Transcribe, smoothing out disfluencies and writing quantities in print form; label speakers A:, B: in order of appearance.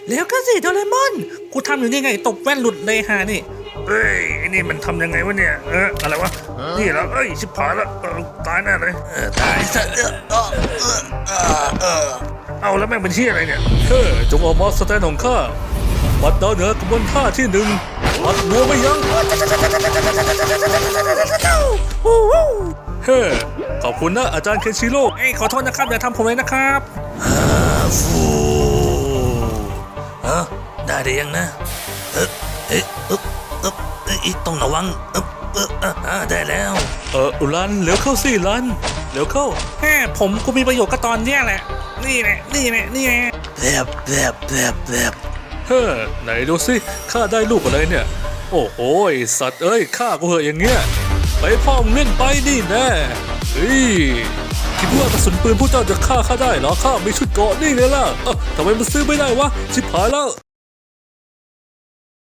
A: แล้วก็สิโดเรมอนกูทำอยู่นี่ไงตบแว่นหลุดเลยฮะนี่
B: เอ้ยไอ้นี่มันทำยังไงวะเนี่ยอะไรวะนี่แล้วเอ้ยชิบหายแล้วตายแน่เลยตายซะเอาแล้วแม่งเป็นเชี่ยอะไรเนี่ยจงออกมาสแตนของข้าวัดดาวเหนือกระบวนท่าที่หนึ่งวัดบัวไม่ยั้งขอบคุณนะอาจารย์เคนชิโร่
A: เอ้ยขอโทษนะครับอย่าทำผมเลยนะครับ
B: ฟูได้หรือยังนะต้องระวังได้แล้วรันเร็วเข้าสิรันเร็วเข้า
A: ผมกูมีประโยชน์ก็ตอนเนี้ยแหละนี่แหละนี่แหละนี่แหละ
B: แบบไหนดูสิข้าได้ลูกอะไรเนี่ยโอ้โหสัตว์เอ้ยข้ากูเหอะอย่างเงี้ยไปพ่อมึงเล่นไปนี่แน่เฮ้ยคิดว่ากระสุนปืนผู้เจ้าจะฆ่าข้าได้เหรอข้ามีชุดเกราะนี่ไงล่ะทำไมมันซื้อไม่ได้วะชิบหายแล้ว